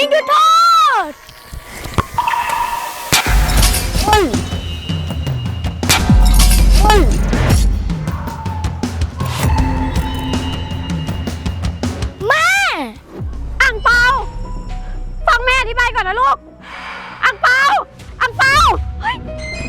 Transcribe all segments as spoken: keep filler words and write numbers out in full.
ยิงจุดโทษเฮ้ยเฮ้ยแม่อ่างเปาฟังแม่อธิบายก่อนนะลูกอ่างเปาอ่างเปาเฮ้ย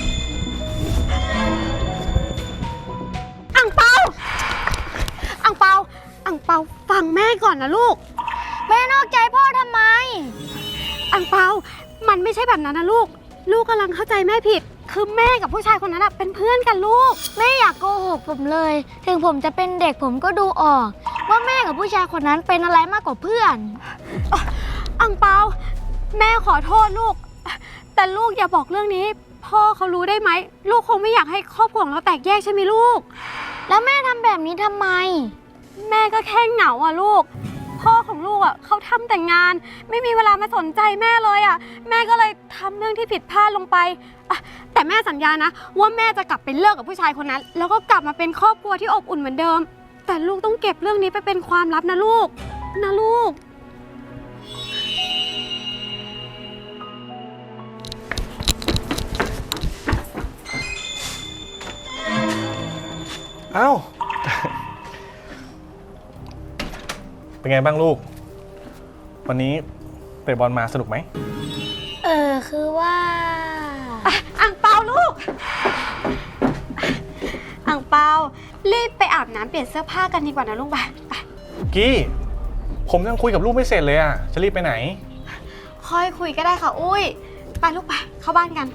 อ่างเปาอ่างเปาอ่างเปาฟังแม่ก่อนนะลูกแม่นอกใจพ่อทำไมอ่างเปามันไม่ใช่แบบนั้นนะลูกลูกกำลังเข้าใจแม่ผิดคือแม่กับผู้ชายคนนั้นเป็นเพื่อนกันลูกแม่อยากโกหกผมเลยถึงผมจะเป็นเด็กผมก็ดูออกว่าแม่กับผู้ชายคนนั้นเป็นอะไรมากกว่าเพื่อนอ่างเปาแม่ขอโทษลูกแต่ลูกอย่าบอกเรื่องนี้พ่อเขารู้ได้ไหมลูกคงไม่อยากให้ครอบครัวของเราแตกแยกใช่ไหมลูกแล้วแม่ทำแบบนี้ทำไมแม่ก็แค่เหงาอ่ะลูกพ่อของลูกอ่ะเขาทำแต่งงานไม่มีเวลามาสนใจแม่เลยอ่ะแม่ก็เลยทำเรื่องที่ผิดพลาดลงไปอ่ะแต่แม่สัญญานะว่าแม่จะกลับไปเลิกกับผู้ชายคนนั้นแล้วก็กลับมาเป็นครอบครัวที่อบอุ่นเหมือนเดิมแต่ลูกต้องเก็บเรื่องนี้ไปเป็นความลับนะลูกนะลูกเอ้า เป็นไงบ้างลูกวันนี้เตะบอลมาสนุกไหมเออคือว่าอ่างเปาลูกอ่างเปารีบไปอาบน้ำเปลี่ยนเสื้อผ้ากันดีกว่านะลูกไปไปกี้ผมยังคุยกับลูกไม่เสร็จเลยอ่ะจะรีบไปไหนค่อยคุยก็ได้ค่ะอุ้ยไปลูกไปเข้าบ้านกัน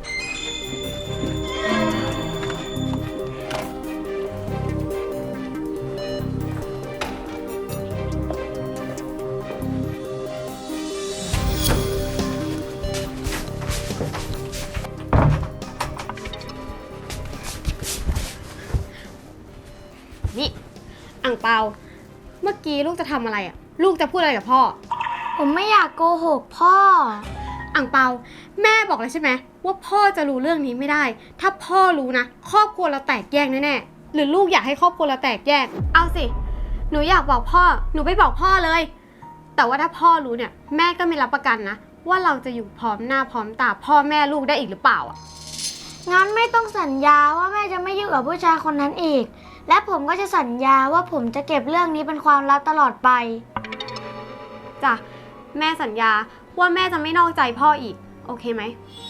นี่อ่างเปาเมื่อกี้ลูกจะทำอะไรอ่ะลูกจะพูดอะไรกับพ่อผมไม่อยากโกหกพ่ออ่างเปาแม่บอกเลยใช่ไหมว่าพ่อจะรู้เรื่องนี้ไม่ได้ถ้าพ่อรู้นะครอบครัวเราแตกแยกแน่ๆหรือลูกอยากให้ครอบครัวเราแตกแยกเอาสิหนูอยากบอกพ่อหนูไปบอกพ่อเลยแต่ว่าถ้าพ่อรู้เนี่ยแม่ก็ไม่รับประกันนะว่าเราจะอยู่พร้อมหน้าพร้อมตาพ่อแม่ลูกได้อีกหรือเปล่าอ่ะงั้นไม่ต้องสัญญาว่าแม่จะไม่ยุ่งกับผู้ชายคนนั้นอีกและผมก็จะสัญญาว่าผมจะเก็บเรื่องนี้เป็นความลับตลอดไปจ้ะแม่สัญญาว่าแม่จะไม่นอกใจพ่ออีกโอเคไหม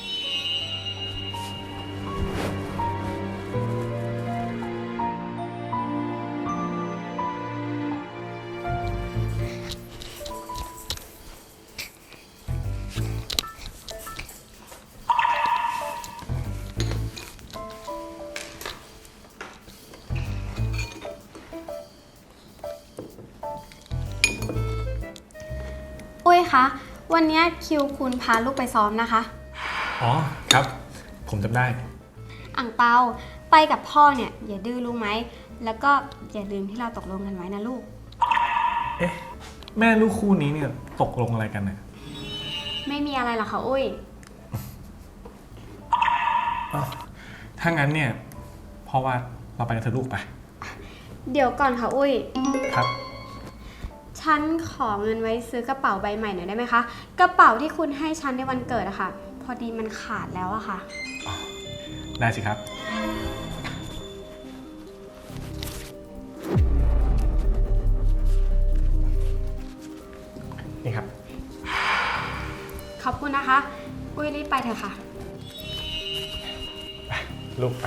อุ้ยคะวันนี้คิวคุณพาลูกไปซ้อมนะคะอ๋อครับผมจำได้อ่างเปาไปกับพ่อเนี่ยอย่าดื้อรู้ไหมแล้วก็อย่าลืมที่เราตกลงกันไว้นะลูกเอ๊ะแม่ลูกคู่นี้เนี่ยตกลงอะไรกันเนี่ยไม่มีอะไรหรอกค่ะอุ้ยถ้างั้นเนี่ยพ่อว่าเราไปกันเถอะลูกไปเดี๋ยวก่อนค่ะอุ้ยครับฉันขอเงินไว้ซื้อกระเป๋าใบใหม่หน่อยได้ไหมคะกระเป๋าที่คุณให้ฉันในวันเกิดอะค่ะพอดีมันขาดแล้วอะค่ะได้สิครับนี่ครับขอบคุณนะคะอุ้ยรีบไปเถอะค่ะไปลูกไป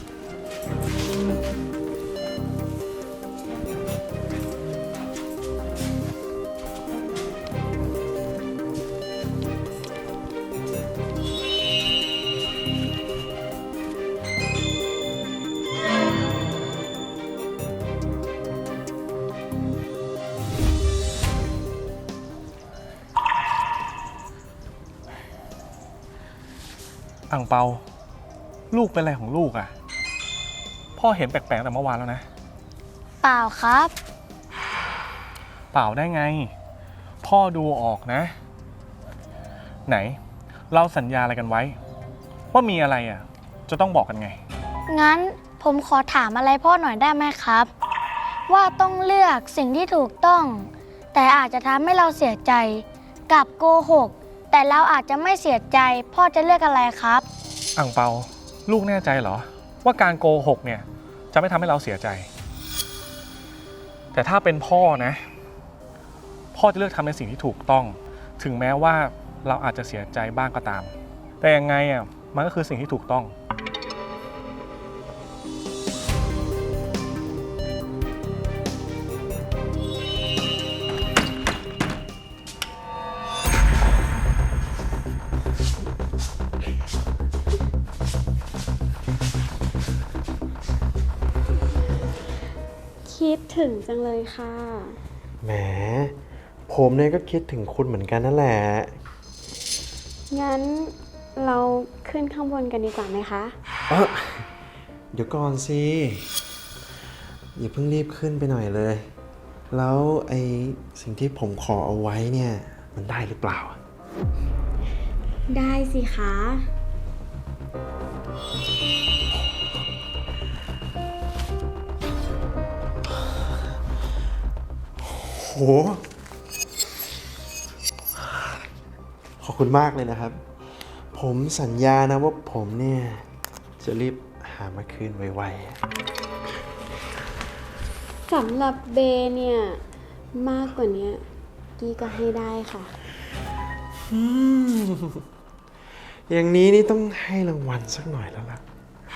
อ่างเปาลูกเป็นอะไรของลูกอ่ะพ่อเห็นแปลกๆแต่เมื่อวานแล้วนะเปล่าครับเปล่าได้ไงพ่อดูออกนะไหนเราสัญญาอะไรกันไว้ว่ามีอะไรอ่ะจะต้องบอกกันไงงั้นผมขอถามอะไรพ่อหน่อยได้ไหมครับว่าต้องเลือกสิ่งที่ถูกต้องแต่อาจจะทำให้เราเสียใจกับโกหก แต่เราอาจจะไม่เสียใจพ่อจะเลือกอะไรครับอ่างเปาลูกแน่ใจเหรอว่าการโกหกเนี่ยจะไม่ทำให้เราเสียใจ แต่ถ้าเป็นพ่อนะพ่อจะเลือกทำในสิ่งที่ถูกต้องถึงแม้ว่าเราอาจจะเสียใจบ้างก็ตาม แต่ยังไงอ่ะมันก็คือสิ่งที่ถูกต้องคิดถึงจังเลยค่ะแหมผมเนี่ยก็คิดถึงคุณเหมือนกันนั่นแหละงั้นเราขึ้นข้างบนกันดีกว่าไหมคะเอ้อเดี๋ยวก่อนสิ อย่าเพิ่งรีบขึ้นไปหน่อยเลย แล้วไอสิ่งที่ผมขอเอาไว้เนี่ย มันได้หรือเปล่าได้สิคะโห ขอบคุณมากเลยนะครับ ผมสัญญานะว่าผมเนี่ย จะรีบหามาคืนไวๆสำหรับเบเนี่ย มากกว่านี้กี้ก็ให้ได้ค่ะอืมอย่างนี้นี่ต้องให้รางวัลสักหน่อยแล้วล่ะ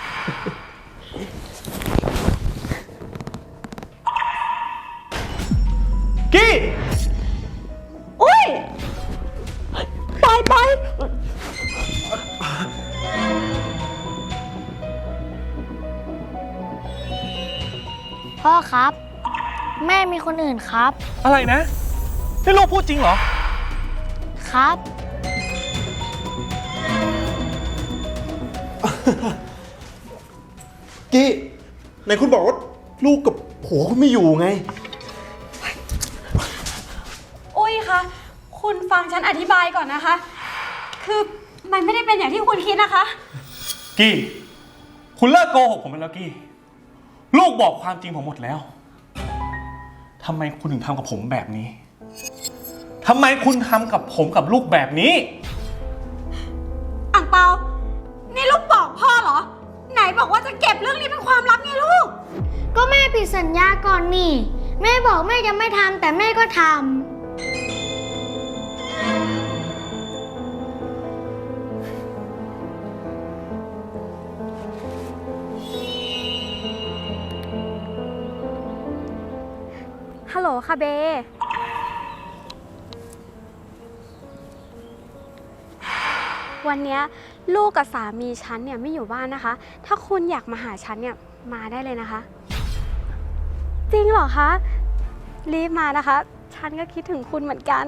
กี้อุ้ยปล่อยปล่อยพ่อครับ แม่มีคนอื่นครับอะไรนะนี่ลูกพูดจริงเหรอครับกี้ไหนคุณบอกว่าลูกกับผัวคุณไม่อยู่ไงอุ้ยคะคุณฟังฉันอธิบายก่อนนะคะ คือมันไม่ได้เป็นอย่างที่คุณคิดนะคะกี้คุณเลิกโกหกผมไปแล้วกี้ลูกบอกความจริงผมหมดแล้วทำไมคุณถึงทำกับผมแบบนี้ทำไมคุณทำกับผมกับลูกแบบนี้อ่างเปา นี่ลูกบอกพ่อเหรอ ไหนบอกว่าจะเก็บเรื่องนี้เป็นความลับไงลูกก็แม่ผิดสัญญาก่อนนี่ แม่บอกแม่จะไม่ทำแต่แม่ก็ทำฮัลโหลค่ะเบ วันเนี้ยลูกกับสามีฉันเนี่ยไม่อยู่บ้านนะคะ ถ้าคุณอยากมาหาฉันเนี่ยมาได้เลยนะคะ จริงเหรอคะ รีบมานะคะ ฉันก็คิดถึงคุณเหมือนกัน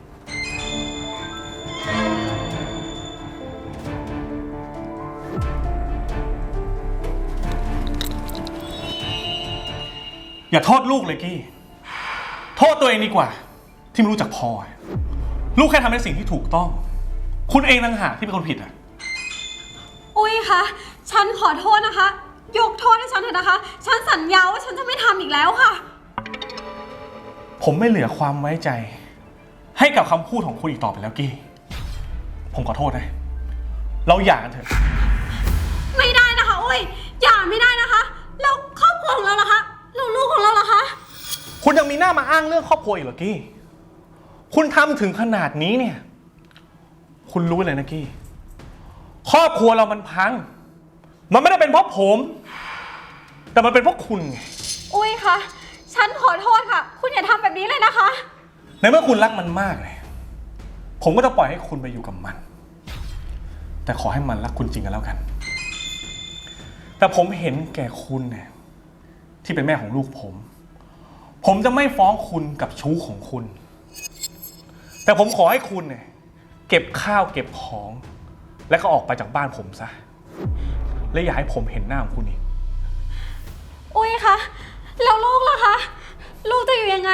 อย่าโทษลูกเลยกี้โทษตัวเองดีกว่า ที่ไม่รู้จักพอลูกแค่ทำในสิ่งที่ถูกต้อง คุณเองต่างหากที่เป็นคนผิดอ่ะอุ้ยคะ ฉันขอโทษนะคะ ยกโทษให้ฉันเถอะนะคะ ฉันสัญญาว่าฉันจะไม่ทำอีกแล้วค่ะผมไม่เหลือความไว้ใจ ให้กับคำพูดของคุณอีกต่อไปแล้วกี้ผมขอโทษนะเราหย่ากันเถอะไม่ได้นะคะอุ้ยอย่าไม่ได้นะคะ แล้วครอบครัวของเราล่ะคะแล้วลูกของเราล่ะคะคุณยังมีหน้ามาอ้างเรื่องครอบครัวอีกเหรอกี้คุณทำถึงขนาดนี้เนี่ยคุณรู้เลยนะกี้ครอบครัวเรามันพังมันไม่ได้เป็นเพราะผม แต่มันเป็นเพราะคุณไงอุ้ยคะ ฉันขอโทษค่ะ คุณอย่าทำแบบนี้เลยนะคะในเมื่อคุณรักมันมากเลยผมก็จะปล่อยให้คุณไปอยู่กับมัน แต่ขอให้มันรักคุณจริงกันแล้วกัน แต่ผมเห็นแก่คุณเนี่ยที่เป็นแม่ของลูกผม ผมจะไม่ฟ้องคุณกับชู้ของคุณ แต่ผมขอให้คุณเนี่ยเก็บข้าวเก็บของ และก็ออกไปจากบ้านผมซะและอย่าให้ผมเห็นหน้าของคุณอีกอุ้ยคะ แล้วลูกล่ะคะ ลูกจะอยู่ยังไง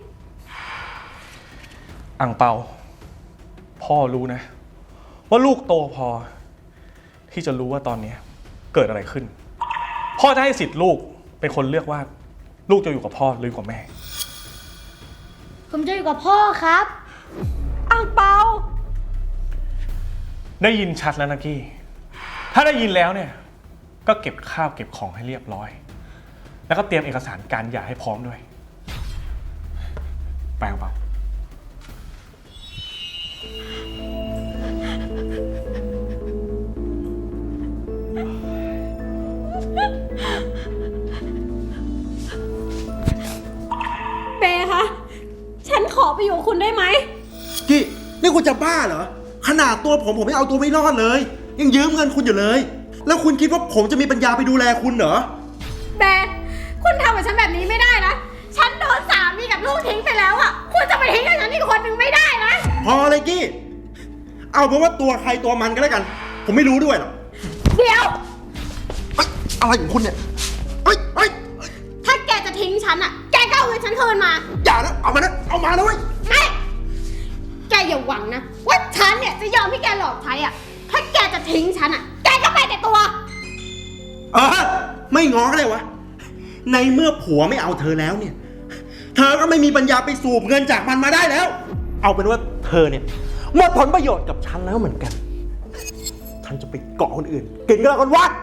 อังเปาพ่อรู้นะว่าลูกโตพอที่จะรู้ว่าตอนนี้เกิดอะไรขึ้นพ่อจะให้สิทธิ์ลูกเป็นคนเลือกว่าลูกจะอยู่กับพ่อหรืออยู่กับแม่ผมจะอยู่กับพ่อครับอ่างเปาได้ยินชัดแล้วนะกี้ ถ้าได้ยินแล้วเนี่ย ก็เก็บข้าวเก็บของให้เรียบร้อย แล้วก็เตรียมเอกสารการหย่าให้พร้อมด้วย ไปเอาเปล่าเบคะ ฉันขอไปอยู่กับคุณได้ไหมกี้นี่คุณจะบ้าเหรอ ขนาดตัวผมผมไม่เอาตัวไม่รอดเลย ยังยืมเงินคุณอยู่เลย แล้วคุณคิดว่าผมจะมีปัญญาไปดูแลคุณเหรอเบคุณทำกับฉันแบบนี้ไม่ได้นะ ฉันโดนสามีกับลูกทิ้งไปแล้วอะคุณจะไปทิ้งกับฉันอีกคนหนึ่งไม่ได้นะพอเลยกี้ เอาเป็นว่าตัวใครตัวมันก็แล้วกัน ผมไม่รู้ด้วยหรอกเดี๋ยวเอ้ยอะไรของคุณเนี่ยเฮ้ยเฮ้ยถ้าแกจะทิ้งฉันอะแกก็เอาเงินฉันคืนมาอย่านะ เอามานะ เอามานะเว้ยไม่ แกอย่าหวังนะ ว่าฉันเนี่ยจะยอมให้แกหลอกใช้อะถ้าแกจะทิ้งฉันอะแกก็ไปแต่ตัวเออ ไม่ง้อก็เลยวะ ในเมื่อผัวไม่เอาเธอแล้วเนี่ย เธอก็ไม่มีปัญญาไปสูบเงินจากมันมาได้แล้ว เอาเป็นว่าเธอเนี่ยหมดผลประโยชน์กับฉันแล้วเหมือนกัน ฉันจะไปเกาะคนอื่น กินก็แล้วกันวะ